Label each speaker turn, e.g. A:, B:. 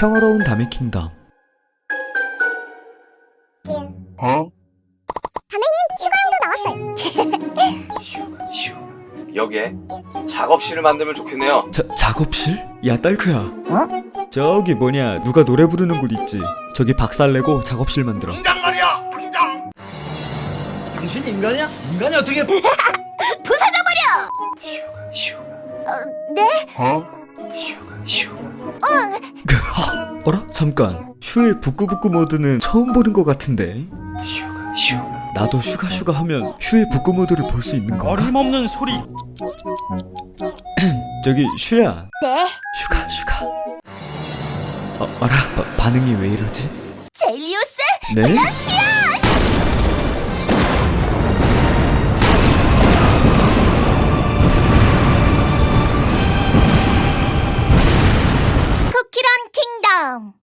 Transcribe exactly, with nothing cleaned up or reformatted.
A: 평화로운 다미 킹덤.
B: 어?
C: 휴가용도 나왔어요.
D: 휴, 여기에 작업실을 만들면 좋겠네요.
A: 자, 작업실? 야 딸크야,
C: 어?
A: 저기 뭐냐 누가 노래 부르는 곳 있지? 저기 박살내고 작업실 만들어.
B: 당장 말이야! 당장!
E: 당신 인간이야? 인간이 어떻게
C: 부숴져버려!
D: 휴가, 휴가,
C: 어, 네?
B: 어?
D: 휴가, 휴가.
C: 어,
A: 어라? 잠깐, 슈의 부끄부끄 모드는 처음 보는 것 같은데.
D: 휴가, 휴가.
A: 나도 슈가 슈가 하면 슈의 부끄 모드를 볼 수 있는 건가?
E: 어림없는 소리.
A: 저기 슈야,
C: 네.
A: 슈가 슈가. 어, 어라? 바, 반응이 왜 이러지?
C: 젤리우스?
A: 네?
C: 쿠키런 킹덤.